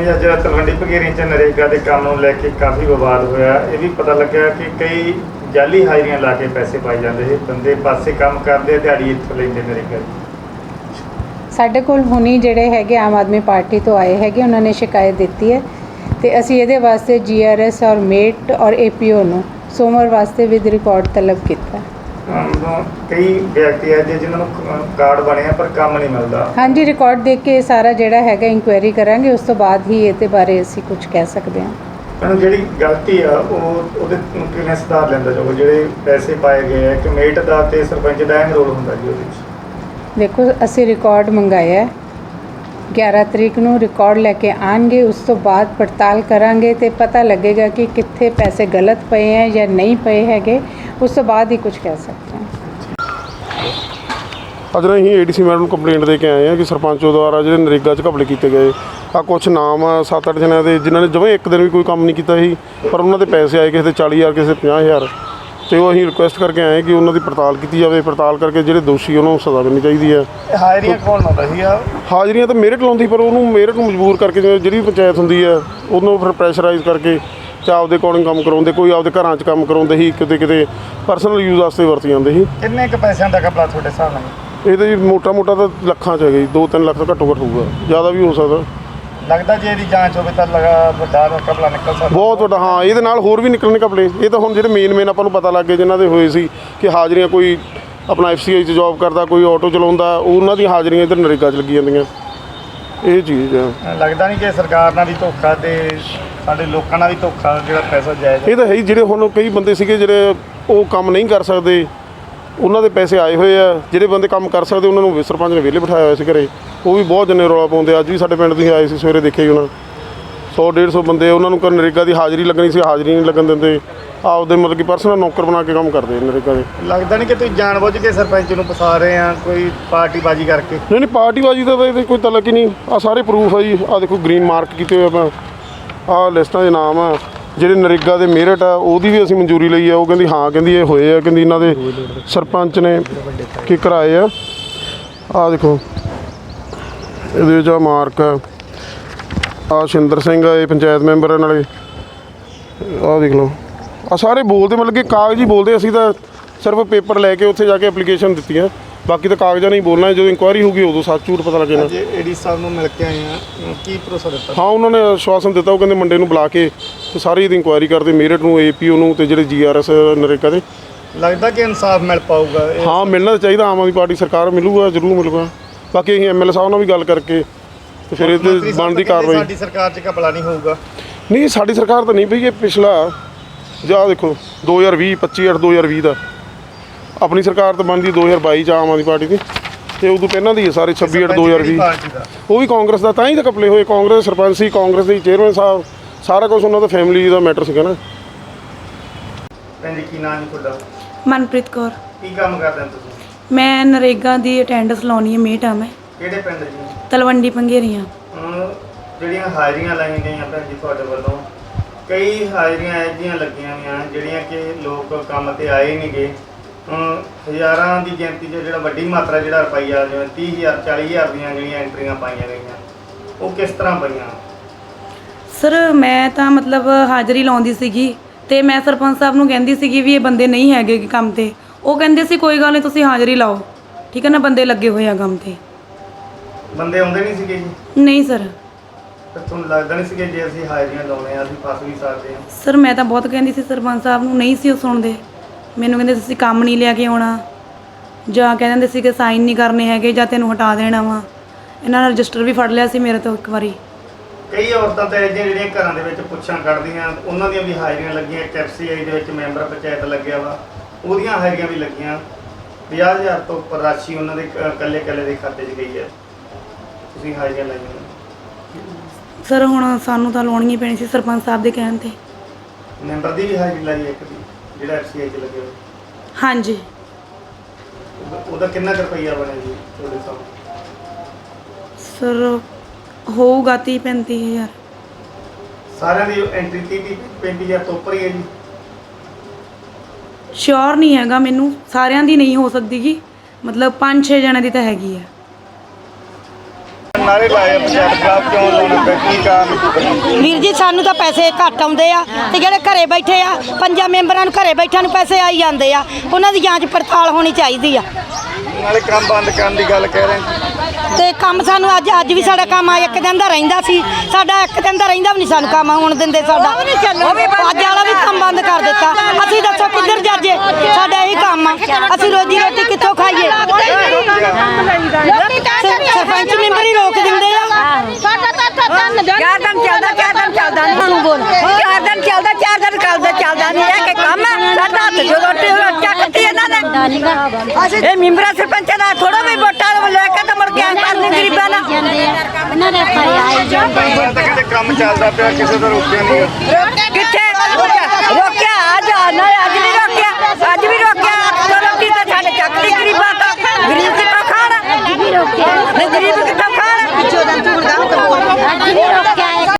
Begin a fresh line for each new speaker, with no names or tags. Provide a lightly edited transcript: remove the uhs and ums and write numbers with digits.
Madam जी, ਅੱਜ ਤਲਵੰਡੀ ਭਗੇਰੀ 'ਚ ਨਰੇਗਾ ਦੇ ਕੰਮ ਨੂੰ ਲੈ ਕੇ ਕਾਫੀ ਵਿਵਾਦ ਹੋਇਆ। ਇਹ ਵੀ ਪਤਾ ਲੱਗਿਆ ਕਿ ਕਈ ਜਾਲੀ ਹਾਜ਼ਰੀਆਂ ਲਾ ਕੇ ਪੈਸੇ ਪਾਈ ਜਾਂਦੇ ਸੀ। ਬੰਦੇ ਪਾਸੇ ਕੰਮ ਕਰਦੇ, ਦਿਹਾੜੀ ਇੱਥੋਂ ਲੈਂਦੇ ਨਰੇਗਾ ਦੀ।
ਸਾਡੇ ਕੋਲ ਹੁਣੀ ਜਿਹੜੇ ਹੈਗੇ ਆਮ ਆਦਮੀ ਪਾਰਟੀ ਤੋਂ ਆਏ ਹੈਗੇ, ਉਹਨਾਂ ਨੇ ਸ਼ਿਕਾਇਤ ਦਿੱਤੀ ਹੈ ਤੇ ਅਸੀਂ ਇਹਦੇ ਵਾਸਤੇ GRS ਔਰ ਮੇਟ ਔਰ APO ਨੂੰ ਸੋਮਵਾਰ ਵਾਸਤੇ ਵਿਦ ਰਿਕਾਰਡ ਤਲਬ ਕੀਤਾ।
ਕਈ ਵਿਅਕਤੀ ਹੈ ਜਿਨ੍ਹਾਂ ਨੂੰ ਕਾਰਡ ਬਣਿਆ ਪਰ ਕੰਮ ਨਹੀਂ ਮਿਲਦਾ। ਹਾਂਜੀ,
ਰਿਕਾਰਡ ਦੇਖ ਕੇ ਸਾਰਾ ਜਿਹੜਾ ਹੈਗਾ ਇਨਕੁਆਇਰੀ ਕਰਾਂਗੇ, ਉਸ ਤੋਂ ਬਾਅਦ ਹੀ ਇਹਦੇ ਬਾਰੇ ਅਸੀਂ ਕੁਝ ਕਹਿ ਸਕਦੇ ਹਾਂ।
ਮੈਡਮ, ਜਿਹੜੀ ਗਲਤੀ ਆ ਉਹਦੇ ਕਿਵੇਂ ਸੁਧਾਰ ਲੈਂਦਾ ਜਾਊਗਾ? ਜਿਹੜੇ ਪੈਸੇ ਪਾਏ ਗਏ ਆ, ਕਮੇਟ ਦਾ ਤੇ ਸਰਪੰਚ ਦਾ ਅਹਿਮ ਰੋਲ ਹੁੰਦਾ ਜੀ ਉਹਦੇ ਵਿੱਚ।
ਦੇਖੋ, ਅਸੀਂ ਰਿਕਾਰਡ ਮੰਗਾਇਆ 11 ਤਰੀਕ ਨੂੰ ਰਿਕਾਰਡ ਲੈ ਕੇ ਆਣਗੇ, ਉਸ ਤੋਂ ਬਾਅਦ ਪੜਤਾਲ ਕਰਾਂਗੇ ਤੇ ਪਤਾ ਲੱਗੇਗਾ ਕਿ ਕਿੱਥੇ ਪੈਸੇ ਗਲਤ ਪਏ ਹੈ ਜਾਂ ਨਹੀਂ ਪਏ ਹੈਗੇ। ਉਸ ਤੋਂ ਬਾਅਦ ਹੀ ਕੁਝ ਕਹਿ ਸਕਦੇ ਹਾਂ।
ਅੱਜ ਅਸੀਂ ADC ਮੈਡਮ ਨੂੰ ਕੰਪਲੇਂਟ ਦੇ ਕੇ ਆਏ ਹਾਂ ਕਿ ਸਰਪੰਚੋ ਦੁਆਰਾ ਜਿਹੜੇ ਨਰੇਗਾ 'ਚ ਘਪਲੇ ਕੀਤੇ ਗਏ ਆ। ਕੁਛ ਨਾਮ 7-8 ਜਣਿਆਂ ਦੇ ਜਿਨ੍ਹਾਂ ਨੇ ਜਮਾਂ ਇੱਕ ਦਿਨ ਵੀ ਕੋਈ ਕੰਮ ਨਹੀਂ ਕੀਤਾ ਸੀ, ਪਰ ਉਹਨਾਂ ਦੇ ਪੈਸੇ ਆਏ, ਕਿਸੇ ਦੇ 40,000, ਕਿਸੇ ਦੇ 50,000। ਤੇ ਉਹ ਅਸੀਂ ਰਿਕੁਐਸਟ ਕਰਕੇ ਆਏ ਕਿ ਉਹਨਾਂ ਦੀ ਪੜਤਾਲ ਕੀਤੀ ਜਾਵੇ। ਪੜਤਾਲ ਕਰਕੇ ਜਿਹੜੇ ਦੋਸ਼ੀ ਉਹਨਾਂ ਨੂੰ ਸਜ਼ਾ ਮਿਲਣੀ ਚਾਹੀਦੀ ਹੈ।
ਹਾਜ਼ਰੀਆਂ ਕੌਣ ਲਾਉਂਦਾ ਸੀ?
ਹਾਜ਼ਰੀਆਂ ਤਾਂ ਮੇਰਿਟ ਲਾਉਂਦੀ, ਪਰ ਉਹਨੂੰ ਮੇਰਿਟ ਨੂੰ ਮਜਬੂਰ ਕਰਕੇ ਜਿਹੜੀ ਵੀ ਪੰਚਾਇਤ ਹੁੰਦੀ ਹੈ ਉਹਨੂੰ ਫਿਰ ਪ੍ਰੈਸ਼ਰਾਈਜ਼ ਕਰਕੇ ਤੇ ਆਪਦੇ ਅਕੋਰਡਿੰਗ ਕੰਮ ਕਰਾਉਂਦੇ। ਕੋਈ ਆਪਦੇ ਘਰਾਂ 'ਚ ਕੰਮ ਕਰਾਉਂਦੇ ਸੀ, ਕਿਤੇ ਪਰਸਨਲ ਯੂਜ਼ ਵਾਸਤੇ ਵਰਤੀ ਜਾਂਦੇ ਸੀ।
ਕਿੰਨੇ ਕੁ ਪੈਸਿਆਂ ਦਾ ਘਪਲਾ ਤੁਹਾਡੇ ਹਿਸਾਬ ਨਾਲ?
ਇਹ ਤਾਂ ਜੀ ਮੋਟਾ ਤਾਂ ਲੱਖਾਂ 'ਚ ਹੈਗਾ ਜੀ, 2-3 ਲੱਖ ਤੋਂ ਘੱਟੋ ਘੱਟ ਹੋਊਗਾ, ਜ਼ਿਆਦਾ ਵੀ ਹੋ ਸਕਦਾ।
ਲੱਗਦਾ ਜੇ ਇਹਦੀ ਜਾਂਚ ਹੋਵੇ ਤਾਂ ਵੱਡਾ ਘਪਲਾ ਨਿਕਲ ਸਕਦਾ,
ਬਹੁਤ ਵੱਡਾ। ਹਾਂ, ਇਹਦੇ ਨਾਲ ਹੋਰ ਵੀ ਨਿਕਲਣੇ ਘਪਲੇ। ਇਹ ਤਾਂ ਹੁਣ ਜਿਹੜੇ ਮੇਨ ਆਪਾਂ ਨੂੰ ਪਤਾ ਲੱਗ ਗਏ ਜਿਨ੍ਹਾਂ ਦੇ ਹੋਏ ਸੀ ਕਿ ਹਾਜ਼ਰੀਆਂ, ਕੋਈ ਆਪਣਾ FCI 'ਚ ਜੋਬ ਕਰਦਾ, ਕੋਈ ਆਟੋ ਚਲਾਉਂਦਾ, ਉਹਨਾਂ ਦੀਆਂ ਹਾਜ਼ਰੀਆਂ ਇੱਧਰ ਨਰੇਗਾ 'ਚ ਲੱਗੀ ਜਾਂਦੀਆਂ। ਇਹ ਚੀਜ਼ ਆ।
ਲੱਗਦਾ ਨਹੀਂ ਕਿ ਸਰਕਾਰ ਨਾਲ ਵੀ ਧੋਖਾ ਤੇ ਸਾਡੇ ਲੋਕਾਂ ਨਾਲ ਵੀ ਧੋਖਾ, ਜਿਹੜਾ ਪੈਸਾ ਜਾਇਜ਼?
ਇਹ ਤਾਂ ਹੈ ਹੀ। ਜਿਹੜੇ ਹੁਣ ਕਈ ਬੰਦੇ ਸੀਗੇ ਜਿਹੜੇ ਉਹ ਕੰਮ ਨਹੀਂ ਕਰ ਸਕਦੇ, ਉਹਨਾਂ ਦੇ ਪੈਸੇ ਆਏ ਹੋਏ ਆ। ਜਿਹੜੇ ਬੰਦੇ ਕੰਮ ਕਰ ਸਕਦੇ ਉਹਨਾਂ ਨੂੰ ਸਰਪੰਚ ਨੇ ਵਿਹਲੇ ਬਿਠਾਇਆ ਹੋਇਆ ਸੀ ਘਰੇ। ਉਹ ਵੀ ਬਹੁਤ ਜਣੇ ਰੌਲਾ ਪਾਉਂਦੇ। ਅੱਜ ਵੀ ਸਾਡੇ ਪਿੰਡ ਦੇ ਆਏ ਸੀ, ਸਵੇਰੇ ਦੇਖੇ ਉਹਨਾਂ 100-150 ਬੰਦੇ, ਉਹਨਾਂ ਨੂੰ ਨਰੇਗਾ ਦੀ ਹਾਜ਼ਰੀ ਲੱਗਣੀ ਸੀ, ਹਾਜ਼ਰੀ ਨਹੀਂ ਲੱਗਣ ਦਿੰਦੇ। ਆਪਦੇ ਮਤਲਬ ਕਿ ਪਰਸਨਲ ਨੌਕਰ ਬਣਾ ਕੇ ਕੰਮ ਕਰਦੇ ਨਰੇਗਾ ਦੇ।
ਲੱਗਦਾ ਨਹੀਂ ਕਿ ਤੁਸੀਂ ਜਾਣਬੁੱਝ ਕੇ ਸਰਪੰਚ ਨੂੰ ਫਸਾ ਰਹੇ ਆ, ਕੋਈ ਪਾਰਟੀਬਾਜ਼ੀ ਕਰਕੇ?
ਨਹੀਂ, ਪਾਰਟੀਬਾਜ਼ੀ ਦਾ ਤਾਂ ਇਹਦੇ ਕੋਈ ਤਲਕ ਹੀ ਨਹੀਂ। ਆਹ ਸਾਰੇ ਪ੍ਰੂਫ ਆ ਜੀ। ਆਹ ਦੇਖੋ, ਗ੍ਰੀਨ ਮਾਰਕ ਕੀਤੇ ਹੋਏ ਆਪਾਂ। ਆਹ ਲਿਸਟਾਂ ਦੇ ਨਾਮ ਆ। ਜਿਹੜੇ ਨਰੇਗਾ ਦੇ ਮੇਰਿਟ ਆ ਉਹਦੀ ਵੀ ਅਸੀਂ ਮਨਜ਼ੂਰੀ ਲਈ ਆ। ਉਹ ਕਹਿੰਦੀ ਹਾਂ, ਕਹਿੰਦੀ ਇਹ ਹੋਏ ਆ, ਕਹਿੰਦੀ ਇਹਨਾਂ ਦੇ ਸਰਪੰਚ ਨੇ ਕੀ ਕਰਾਏ ਆ। ਆਹ ਦੇਖੋ, ਇਹਦੇ ਵਿੱਚ ਆ ਮਾਰਕ ਆ। ਆਹ ਸ਼ਿੰਦਰ ਸਿੰਘ ਆ, ਇਹ ਪੰਚਾਇਤ ਮੈਂਬਰ ਨਾਲੇ। ਆਹ ਦੇਖ ਲਓ, ਆਹ ਸਾਰੇ ਬੋਲਦੇ, ਮਤਲਬ ਕਿ ਕਾਗਜ਼ ਹੀ ਬੋਲਦੇ। ਅਸੀਂ ਤਾਂ ਸਿਰਫ ਪੇਪਰ ਲੈ ਕੇ ਉੱਥੇ ਜਾ ਕੇ ਐਪਲੀਕੇਸ਼ਨ ਦਿੱਤੀ ਆ, ਬਾਕੀ ਤਾਂ ਕਾਗਜ਼ਾਂ ਨਹੀਂ ਬੋਲਣਾ। ਜਦੋਂ ਇਨਕੁਆਇਰੀ ਹੋਊਗੀ ਉਦੋਂ ਸੱਚ ਝੂਠ ਪਤਾ ਲੱਗੇਗਾ।
ADC ਸਾਹਿਬ ਨੂੰ ਮਿਲ ਕੇ ਆਏ ਆ, ਕੀ ਭਰੋਸਾ ਦਿੱਤਾ?
ਹਾਂ, ਉਹਨਾਂ ਨੇ ਆਸ਼ਵਾਸਨ ਦਿੱਤਾ। ਉਹ ਕਹਿੰਦੇ ਮੰਡੇ ਨੂੰ ਬੁਲਾ ਕੇ ਤੇ ਸਾਰੀ ਇਹਦੀ ਇਨਕੁਆਇਰੀ ਕਰਦੇ, ਮੇਰਿਟ ਨੂੰ, APO ਨੂੰ ਤੇ ਜਿਹੜੇ GRS ਨਰੇਗਾ ਦੇ।
ਲੱਗਦਾ ਕਿ ਇਨਸਾਫ ਮਿਲ ਪਾਊਗਾ?
ਹਾਂ, ਮਿਲਣਾ ਚਾਹੀਦਾ। ਆਮ ਆਦਮੀ ਪਾਰਟੀ ਸਰਕਾਰ ਮਿਲੂਗਾ, ਜ਼ਰੂਰ ਮਿਲੂਗਾ। ਬਾਕੀ ਅਸੀਂ MLA ਸਾਹਿਬ ਨਾਲ ਵੀ ਗੱਲ ਕਰਕੇ ਤੇ ਫਿਰ ਇਹਦੇ ਬਣਦੀ ਕਾਰਵਾਈ।
ਸਾਡੀ ਸਰਕਾਰ 'ਚ ਘਪਲਾ ਨਹੀਂ ਹੋਊਗਾ?
ਨਹੀਂ, ਸਾਡੀ ਸਰਕਾਰ ਤਾਂ ਨਹੀਂ ਪਈ। ਇਹ ਪਿਛਲਾ ਜਾਂ ਦੇਖੋ 2020, 25/8 2020 ਦਾ। ਆਪਣੀ ਸਰਕਾਰ ਤਾਂ ਬਣਦੀ 2022 'ਚ ਆਮ ਆਦਮੀ ਪਾਰਟੀ ਦੀ, ਤੇ ਉਦੋਂ ਪਹਿਲਾਂ ਦੀ ਹੈ ਸਾਰੇ 26/8 2020। ਉਹ ਵੀ ਕਾਂਗਰਸ ਦਾ। ਤਾਂ ਹੀ ਤਾਂ ਘਪਲੇ ਹੋਏ। ਕਾਂਗਰਸ ਦੇ ਸਰਪੰਚ ਸੀ, ਕਾਂਗਰਸ ਦੇ ਚੇਅਰਮੈਨ ਸਾਹਿਬ, ਸਾਰਾ ਕੁਝ ਉਹਨਾਂ ਦਾ ਫੈਮਿਲੀ ਦਾ ਮੈਟਰ ਸੀਗਾ ਨਾ।
ਭੈਣ ਜੀ, ਕੀ ਨਾਮ ਹੈ ਤੁਹਾਡਾ?
ਮਨਪ੍ਰੀਤ ਕੌਰ।
ਕੀ ਕੰਮ ਕਰਦੇ ਹੋ ਤੁਸੀਂ?
ਮੈਂ ਨਰੇਗਾ ਦੀ ਅਟੈਂਡੈਂਸ ਲਾਉਣੀ ਹੈ, ਮੇਟ ਆ ਮੈਂ।
ਕਿਹੜੇ ਪਿੰਡ ਜੀ?
ਤਲਵੰਡੀ ਪੰਗੇਰੀਆਂ।
ਜਿਹੜੀਆਂ ਹਾਜ਼ਰੀਆਂ ਲਾਈਆਂ ਗਈਆਂ ਭੈਣ ਜੀ ਤੁਹਾਡੇ ਵੱਲੋਂ, ਕਈ ਹਾਜ਼ਰੀਆਂ ਇਹੋ ਜਿਹੀਆਂ ਲੱਗੀਆਂ ਹੋਈਆਂ ਜਿਹੜੀਆਂ ਕਿ ਲੋਕ ਕੰਮ ਤੇ ਆਏ ਨਹੀਂ ਗਏ। ਹਜ਼ਾਰਾਂ ਦੀ ਗਿਣਤੀ 'ਚ ਜਿਹੜਾ ਵੱਡੀ ਮਾਤਰਾ ਜਿਹੜਾ ਰੁਪਈਆ, ਜਿਵੇਂ 30,000 40,000 ਦੀਆਂ ਜਿਹੜੀਆਂ ਐਂਟਰੀਆਂ ਪਾਈਆਂ ਗਈਆਂ, ਉਹ ਕਿਸ ਤਰ੍ਹਾਂ ਪਈਆਂ?
ਸਰ, ਮੈਂ ਤਾਂ ਮਤਲਬ ਹਾਜ਼ਰੀ ਲਾਉਂਦੀ ਸੀਗੀ ਤੇ ਮੈਂ ਸਰਪੰਚ ਸਾਹਿਬ ਨੂੰ ਕਹਿੰਦੀ ਸੀਗੀ ਵੀ ਇਹ ਬੰਦੇ ਨਹੀਂ ਹੈਗੇ ਕੰਮ ਤੇ। ਉਹ ਕਹਿੰਦੇ ਸੀ ਕੋਈ ਗੱਲ ਨਹੀਂ, ਤੁਸੀਂ ਹਾਜ਼ਰੀ ਲਾਓ, ਠੀਕ ਹੈ ਨਾ, ਬੰਦੇ ਲੱਗੇ ਹੋਏ ਆ ਕੰਮ ਤੇ।
ਬੰਦੇ ਆਉਂਦੇ ਨਹੀਂ ਸੀਗੇ ਜੀ?
ਨਹੀਂ ਸਰ।
ਫਿਰ ਤੁਹਾਨੂੰ ਲੱਗਦਾ ਨਹੀਂ ਸੀਗਾ ਜੇ ਅਸੀਂ ਹਾਜ਼ਰੀਆਂ ਲਾਉਣੇ ਆ ਅਸੀਂ ਫਸ ਵੀ ਸਕਦੇ ਹਾਂ?
ਸਰ, ਮੈਂ ਤਾਂ ਬਹੁਤ ਕਹਿੰਦੀ ਸੀ ਸਰਪੰਚ ਸਾਹਿਬ ਨੂੰ, ਨਹੀਂ ਸੀ ਉਹ ਸੁਣਦੇ। ਮੈਨੂੰ ਕਹਿੰਦੇ ਤੁਸੀਂ ਕੰਮ ਨਹੀਂ ਲਿਆ ਕੇ ਆਉਣਾ, ਜਾਂ ਕਹਿ ਦਿੰਦੇ ਸੀ ਕਿ ਸਾਈਨ ਨਹੀਂ ਕਰਨੇ ਹੈਗੇ, ਜਾਂ ਤੈਨੂੰ ਹਟਾ ਦੇਣਾ ਵਾ। ਇਹਨਾਂ ਨੇ ਰਜਿਸਟਰ ਵੀ ਫੜ ਲਿਆ ਸੀ ਮੇਰੇ ਤੋਂ ਇੱਕ ਵਾਰੀ।
ਕਈ ਔਰਤਾਂ ਤਾਂ ਜਿਹੜੀਆਂ ਘਰਾਂ ਦੇ ਵਿੱਚ ਪੁੱਛਾਂ ਕੱਢਦੀਆਂ, ਉਹਨਾਂ ਦੀਆਂ ਵੀ ਹਾਜ਼ਰੀਆਂ ਲੱਗੀਆਂ। FCI ਦੇ ਵਿੱਚ ਮੈਂਬਰ ਪੰਚਾਇਤ ਲੱਗਿਆ ਵਾ, ਉਹਦੀਆਂ ਹਾਜ਼ਰੀਆਂ ਵੀ ਲੱਗੀਆਂ। 50,000 ਤੋਂ ਉੱਪਰ ਰਾਸ਼ੀ ਉਹਨਾਂ ਦੇ ਇਕੱਲੇ ਦੇ ਖਾਤੇ 'ਚ ਗਈ ਹੈ। ਤੁਸੀਂ ਹਾਜ਼ਰੀਆਂ ਲਾਈਆਂ?
ਸਰ, ਹੁਣ ਸਾਨੂੰ ਤਾਂ ਲਾਉਣੀ ਹੀ ਪੈਣੀ ਸੀ ਸਰਪੰਚ ਸਾਹਿਬ ਦੇ ਕਹਿਣ 'ਤੇ।
ਮੈਂਬਰ ਦੀ ਵੀ ਹਾਜ਼ਰੀ ਲਾਈ ਇੱਕ ਦੀ, ਜਿਹੜਾ FCI 'ਚ ਲੱਗਿਆ ਹੋਇਆ?
ਹਾਂਜੀ।
ਉਹਦਾ ਕਿੰਨਾ ਕੁ ਰੁਪਈਆ ਬਣਿਆ ਜੀ ਤੁਹਾਡੇ ਸਾਹਮਣੇ?
ਸਰ, ਹੋਊਗਾ 30-35 ਹਜ਼ਾਰ।
ਸਾਰਿਆਂ ਦੀ ਐਂਟਰੀ 30-35 ਤੋਂ ਉੱਪਰ ਹੀ ਹੈ ਜੀ?
ਸ਼ੋਰ ਨਹੀਂ ਹੈਗਾ ਮੈਨੂੰ, ਸਾਰਿਆਂ ਦੀ ਨਹੀਂ ਹੋ ਸਕਦੀ ਗੀ, ਮਤਲਬ 5-6 ਜਣਿਆਂ ਦੀ ਤਾਂ ਹੈਗੀ ਆ।
ਨਾਰੇ ਲਾਏ ਆ ਪੰਜਾਬ ਖਿਲਾਫ, ਕਿਉਂ ਲਾਉਣਾ ਪਿਆ, ਕੀ ਕਾਰਨ?
ਵੀਰ ਜੀ ਸਾਨੂੰ ਤਾਂ ਪੈਸੇ ਘੱਟ ਆਉਂਦੇ ਆ ਤੇ ਜਿਹੜੇ ਘਰੇ ਬੈਠੇ ਆ 5 ਮੈਂਬਰਾਂ ਨੂੰ ਘਰੇ ਬੈਠਿਆਂ ਨੂੰ ਪੈਸੇ ਆਈ ਜਾਂਦੇ ਆ, ਉਹਨਾਂ ਦੀ ਜਾਂਚ ਪੜਤਾਲ ਹੋਣੀ ਚਾਹੀਦੀ ਆ।
ਨਾਲੇ ਕੰਮ ਬੰਦ ਕਰਨ ਦੀ ਗੱਲ ਕਹਿ ਰਹੇ
ਤੇ ਕੰਮ ਸਾਨੂੰ ਅੱਜ ਵੀ ਸਾਡਾ ਕੰਮ ਆ ਇੱਕ ਦਿਨ ਦਾ ਰਹਿੰਦਾ ਸੀ, ਸਾਡਾ ਇੱਕ ਦਿਨ ਦਾ ਰਹਿੰਦਾ ਵੀ ਨਹੀਂ ਸਾਨੂੰ ਕੰਮ ਹੋਣ ਦਿੰਦੇ ਸਾਡਾ, ਅੱਜ ਵਾਲਾ ਵੀ ਕੰਮ ਬੰਦ ਕਰ ਦਿੱਤਾ। ਅਸੀਂ ਦੱਸੋ ਕਿੱਧਰ ਜਾਜੇ, ਸਾਡਾ ਇਹੀ ਕੰਮ ਆ, ਅਸੀਂ ਰੋਜੀ ਰੋਟੀ ਕਿੱਥੋਂ ਖਾਈਏ? ਸਰਪੰਚ ਮੈਂਬਰ ਹੀ ਰੋਕ ਦਿੰਦੇ ਆ।
ਸਾਡਾ ਤਾਂ 4 ਦਿਨ ਚੱਲਦਾ 4 ਦਿਨ ਚੱਲਦਾ ਨਹੀਂ, ਬੋਲ 4 ਦਿਨ ਚੱਲਦਾ 4 ਦਿਨ ਚੱਲਦਾ ਨਹੀਂ, ਇਹ ਕਿ ਕੰਮ ਹੈ ਸਾਡਾ ਹੱਥ ਜੋ ਰੋਟੀ ਚੱਕਤੀ ਇਹਨਾਂ ਨੇ। ਇਹ ਮੈਂਬਰਾਂ ਸਰਪੰਚਾਂ ਦਾ ਥੋੜਾ ਵੀ ਵੋਟਾਂ ਲੈ ਕੇ ਤਾਂ ਮੁੜ ਕੇ ਕਰਨੀ ਗਰੀਬਾਂ ਨਾਲ।
ਇਹਨਾਂ ਦੇ ਤਾਂ ਕਹਿੰਦੇ ਕੰਮ ਚੱਲਦਾ ਪਿਆ, ਕਿਸੇ ਦਾ ਰੋਕਿਆ ਨਹੀਂ।
ਕਿੱਥੇ